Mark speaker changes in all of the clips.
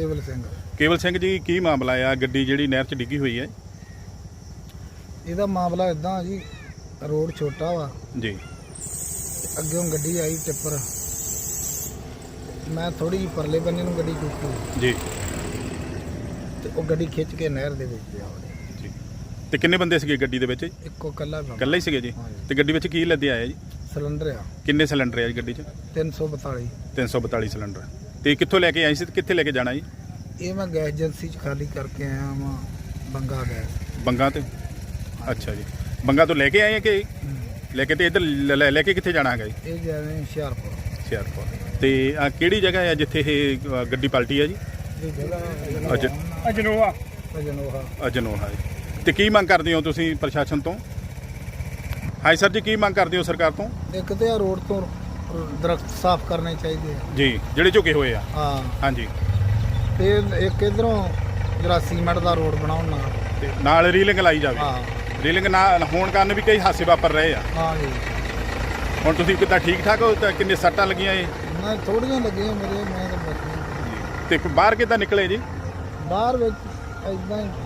Speaker 1: ਕੇਵਲ ਸਿੰਘ ਜੀ, ਕੀ ਮਾਮਲਾ ਆ? ਗੱਡੀ ਜਿਹੜੀ ਨਹਿਰ 'ਚ ਡਿੱਗੀ ਹੋਈ ਹੈ,
Speaker 2: ਇਹਦਾ ਮਾਮਲਾ ਇਦਾਂ ਜੀ, ਰੋਡ ਛੋਟਾ ਵਾ
Speaker 1: ਜੀ,
Speaker 2: ਅੱਗੋਂ ਗੱਡੀ ਆਈ ਟਿੱਪਰ, ਮੈਂ ਥੋੜੀ ਜਿਹੀ ਪਰਲੇ ਬੰਨੇ ਨੂੰ ਗੱਡੀ ਕੀਤੀ
Speaker 1: ਜੀ,
Speaker 2: ਤੇ ਉਹ ਗੱਡੀ ਖਿੱਚ ਕੇ ਨਹਿਰ ਦੇ ਵਿੱਚ ਜਾ
Speaker 1: ਜੀ। ਤੇ ਕਿੰਨੇ ਬੰਦੇ ਸੀਗੇ ਗੱਡੀ ਦੇ ਵਿੱਚ?
Speaker 2: ਇੱਕੋ ਕੱਲਾ
Speaker 1: ਇਕੱਲਾ ਹੀ ਸੀਗੇ ਜੀ। ਤੇ ਗੱਡੀ ਵਿੱਚ ਕੀ ਲੱਦਿਆ ਆਇਆ ਜੀ?
Speaker 2: ਸਿਲੰਡਰ ਆ।
Speaker 1: ਕਿੰਨੇ ਸਿਲੰਡਰ ਆ ਜੀ ਗੱਡੀ 'ਚ?
Speaker 2: 342
Speaker 1: 342 ਸਿਲੰਡਰ। ਤੇ ਕਿੱਥੋਂ ਲੈ ਕੇ ਆਏ ਸੀ ਤੇ ਕਿੱਥੇ ਲੈ ਕੇ ਜਾਣਾ ਜੀ?
Speaker 2: ਇਹ ਮੈਂ ਗੈਸ ਏਜੰਸੀ 'ਚ ਖਾਲੀ ਕਰਕੇ ਆਇਆ ਵਾਂ, ਬੰਗਾ ਗੈਸ।
Speaker 1: ਬੰਗਾ ਤੇ? ਅੱਛਾ ਜੀ, ਬੰਗਾ ਤੋਂ ਲੈ ਕੇ ਆਏ ਆ ਕਿ ਲੈ ਕੇ? ਤੇ ਇੱਧਰ ਲੈ ਕੇ ਕਿੱਥੇ ਜਾਣਾ ਹੈਗਾ ਜੀ?
Speaker 2: ਇਹ ਜਾਵੇ ਹੁਸ਼ਿਆਰਪੁਰ।
Speaker 1: ਤੇ ਆ ਕਿਹੜੀ ਜਗ੍ਹਾ ਹੈ ਜਿੱਥੇ ਇਹ ਗੱਡੀ ਪਲਟੀ ਹੈ ਜੀ?
Speaker 2: ਇਹ ਜਗ੍ਹਾ
Speaker 1: ਅਜਨੋਹਾ ਜੀ। ਤੇ ਕੀ ਮੰਗ ਕਰਦੇ ਹੋ ਤੁਸੀਂ ਪ੍ਰਸ਼ਾਸਨ ਤੋਂ? ਹਾਂਜੀ ਸਰ ਜੀ, ਕੀ ਮੰਗ ਕਰਦੇ ਹੋ ਸਰਕਾਰ ਤੋਂ?
Speaker 2: ਇੱਕ ਤੇ ਆ ਰੋਡ ਤੋਂ ਦਰਖਤ ਸਾਫ਼ ਕਰਨੇ ਚਾਹੀਦੇ ਆ
Speaker 1: ਜੀ, ਜਿਹੜੇ ਝੁਕੇ ਹੋਏ ਆ।
Speaker 2: ਹਾਂ,
Speaker 1: ਹਾਂਜੀ।
Speaker 2: ਤੇ ਇੱਕ ਇਧਰੋਂ ਜਿਹੜਾ ਸੀਮੈਂਟ ਦਾ ਰੋਡ ਬਣਾਉਣਾ,
Speaker 1: ਤੇ ਨਾਲ ਰੀਲਿੰਗ ਲਾਈ ਜਾਵੇ।
Speaker 2: ਹਾਂ,
Speaker 1: ਰੀਲਿੰਗ ਨਾ ਹੋਣ ਕਾਰਨ ਵੀ ਕਈ ਹਾਦਸੇ ਵਾਪਰ ਰਹੇ ਆ।
Speaker 2: ਹਾਂ ਜੀ।
Speaker 1: ਹੁਣ ਤੁਸੀਂ ਕਿੱਦਾਂ ਠੀਕ ਠਾਕ ਹੋ? ਤਾਂ ਕਿੰਨੇ ਸੱਟਾਂ ਲੱਗੀਆਂ ਇਹ?
Speaker 2: ਮੈਂ ਥੋੜੀਆਂ ਲੱਗੀਆਂ ਮੇਰੇ, ਮੈਂ ਤਾਂ ਬਚੀ।
Speaker 1: ਤੇ ਬਾਹਰ ਕਿੱਦਾਂ ਨਿਕਲੇ ਜੀ?
Speaker 2: ਬਾਹਰ ਵਿੱਚ ਇਦਾਂ ਹੀ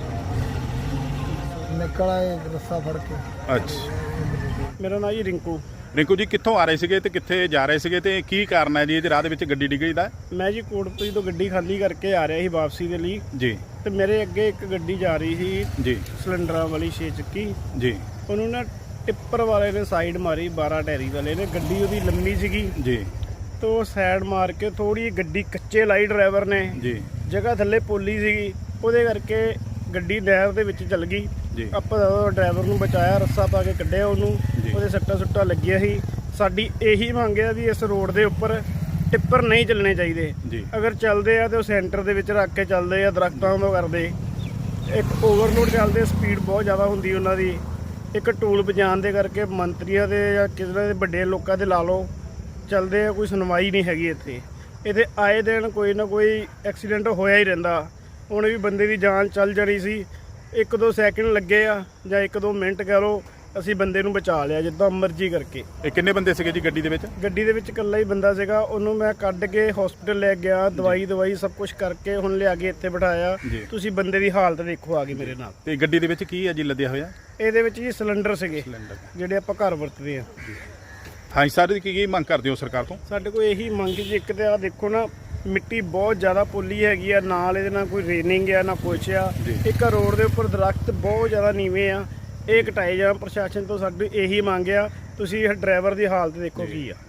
Speaker 2: ਨਿਕਲ ਆਏ ਰੱਸਾ ਫੜ ਕੇ।
Speaker 1: ਅੱਛਾ।
Speaker 3: ਮੇਰਾ ਨਾਂ ਜੀ ਰਿੰਕੂ
Speaker 1: ਜੀ, ਕਿੱਥੋਂ ਆ ਰਹੇ ਸੀਗੇ ਤੇ ਕਿੱਥੇ ਜਾ ਰਹੇ ਸੀਗੇ ਤੇ ਕੀ ਕਾਰਨ ਹੈ ਜੀ ਇਹਦੇ ਰਾਹ ਦੇ ਵਿੱਚ ਗੱਡੀ ਡਿੱਗੀ ਦਾ?
Speaker 3: ਮੈਂ ਜੀ ਕੋਟਪੁਰੀ ਤੋਂ ਗੱਡੀ ਖਾਲੀ ਕਰਕੇ ਆ ਰਿਹਾ ਸੀ ਵਾਪਸੀ ਦੇ ਲਈ
Speaker 1: ਜੀ।
Speaker 3: ਤੇ ਮੇਰੇ ਅੱਗੇ ਇੱਕ ਗੱਡੀ ਜਾ ਰਹੀ ਸੀ
Speaker 1: ਜੀ,
Speaker 3: ਸਿਲੰਡਰਾਂ ਵਾਲੀ 6 ਚੱਕੀ।
Speaker 1: ਜੀ,
Speaker 3: ਉਹਨੂੰ ਨਾ ਟਿੱਪਰ ਵਾਲੇ ਨੇ ਸਾਈਡ ਮਾਰੀ, 12 ਟੈਰੀ ਵਾਲੇ ਨੇ। ਗੱਡੀ ਉਹਦੀ ਲੰਮੀ ਸੀਗੀ
Speaker 1: ਜੀ,
Speaker 3: ਤੋਂ ਸਾਈਡ ਮਾਰ ਕੇ ਥੋੜੀ ਗੱਡੀ ਕੱਚੇ ਲਾਈ ਡਰਾਈਵਰ ਨੇ।
Speaker 1: ਜੀ,
Speaker 3: ਜਗ੍ਹਾ ਥੱਲੇ ਪੋਲੀ ਸੀਗੀ, ਉਹਦੇ ਕਰਕੇ ਗੱਡੀ ਨਹਿਰ ਦੇ ਵਿੱਚ ਚਲ ਗਈ।
Speaker 1: ਜੀ।
Speaker 3: ਆਪਾਂ ਡਰਾਈਵਰ ਨੂੰ ਬਚਾਇਆ, ਰੱਸਾ ਪਾ ਕੇ ਕੱਢਿਆ ਉਹਨੂੰ। ਉਹਦੇ ਸੱਟਾਂ ਸੁੱਟਾਂ ਲੱਗੀਆਂ ਸੀ। ਸਾਡੀ ਇਹੀ ਮੰਗ ਹੈ ਵੀ ਇਸ ਰੋਡ ਦੇ ਉੱਪਰ ਟਿੱਪਰ ਨਹੀਂ ਚੱਲਣੇ ਚਾਹੀਦੇ।
Speaker 1: ਜੀ।
Speaker 3: ਅਗਰ ਚੱਲਦੇ ਆ ਤੇ ਉਹ ਸੈਂਟਰ ਦੇ ਵਿੱਚ ਰੱਖ ਕੇ ਚੱਲਦੇ ਆ, ਦਰਖਤਾਂ ਤੋਂ ਕਰਦੇ। ਇੱਕ ਓਵਰਲੋਡ ਚੱਲਦੇ, ਸਪੀਡ ਬਹੁਤ ਜ਼ਿਆਦਾ ਹੁੰਦੀ ਉਹਨਾਂ ਦੀ। ਇੱਕ ਟੂਲ ਵਜਾਉਣ ਦੇ ਕਰਕੇ ਮੰਤਰੀਆਂ ਦੇ ਜਾਂ ਕਿਸੇ ਦੇ ਵੱਡੇ ਲੋਕਾਂ ਦੇ ਲਾ ਲਓ ਚੱਲਦੇ ਆ, ਕੋਈ ਸੁਣਵਾਈ ਨਹੀਂ ਹੈਗੀ ਇੱਥੇ ਆਏ ਦਿਨ ਕੋਈ ਨਾ ਕੋਈ ਐਕਸੀਡੈਂਟ ਹੋਇਆ ਹੀ ਰਹਿੰਦਾ। ਹੁਣ ਵੀ ਬੰਦੇ ਦੀ ਜਾਨ ਚੱਲ ਜਾਣੀ ਸੀ, 1-2 ਸੈਕਿੰਡ ਲੱਗੇ ਆ ਜਾਂ 1-2 ਮਿੰਟ ਕਹਿ ਲਓ, ਅਸੀਂ ਬੰਦੇ ਨੂੰ ਬਚਾ ਲਿਆ ਜਿੱਦਾਂ ਮਰਜ਼ੀ ਕਰਕੇ।
Speaker 1: ਇਹ ਕਿੰਨੇ ਬੰਦੇ ਸੀਗੇ ਜੀ ਗੱਡੀ ਦੇ ਵਿੱਚ?
Speaker 3: ਗੱਡੀ ਦੇ ਵਿੱਚ ਇਕੱਲਾ ਹੀ ਬੰਦਾ ਸੀਗਾ। ਉਹਨੂੰ ਮੈਂ ਕੱਢ ਕੇ ਹਸਪੀਟਲ ਲੈ ਗਿਆ, ਦਵਾਈ ਸਭ ਕੁਝ ਕਰਕੇ ਹੁਣ ਲਿਆ ਕੇ ਇੱਥੇ ਬਿਠਾਇਆ। ਤੁਸੀਂ ਬੰਦੇ ਦੀ ਹਾਲਤ ਦੇਖੋ ਆ ਗਈ ਮੇਰੇ ਨਾਲ।
Speaker 1: ਤੇ ਗੱਡੀ ਦੇ ਵਿੱਚ ਕੀ ਹੈ ਜੀ ਲੱਦਿਆ ਹੋਇਆ?
Speaker 3: ਇਹਦੇ ਵਿੱਚ ਜੀ ਸਿਲੰਡਰ ਸੀਗੇ ਜਿਹੜੇ ਆਪਾਂ ਘਰ ਵਰਤਦੇ ਆ।
Speaker 1: ਹਾਂਜੀ ਸਰ, ਕੀ ਮੰਗ ਕਰਦੇ ਹੋ ਸਰਕਾਰ ਤੋਂ?
Speaker 3: ਸਾਡੇ ਕੋਲ ਇਹੀ ਮੰਗ ਜੀ, ਇੱਕ ਤੇ ਆ ਦੇਖੋ ਨਾ, ਮਿੱਟੀ ਬਹੁਤ ਜ਼ਿਆਦਾ ਪੋਲੀ ਹੈਗੀ ਆ, ਨਾਲ ਇਹਦੇ ਨਾਲ ਕੋਈ ਰੇਨਿੰਗ ਆ ਨਾ ਕੁਛ ਆ। ਇੱਕ ਰੋਡ ਦੇ ਉੱਪਰ ਦਰਖਤ ਬਹੁਤ ਜ਼ਿਆਦਾ ਨੀਵੇਂ ਆ, ਇਹ ਕਟਾਏ ਜਾਣ। ਪ੍ਰਸ਼ਾਸਨ ਤੋਂ ਸਾਡੀ ਇਹੀ ਮੰਗ ਆ, ਤੁਸੀਂ ਡਰਾਈਵਰ ਦੀ ਹਾਲਤ ਦੇਖੋ ਕੀ ਆ।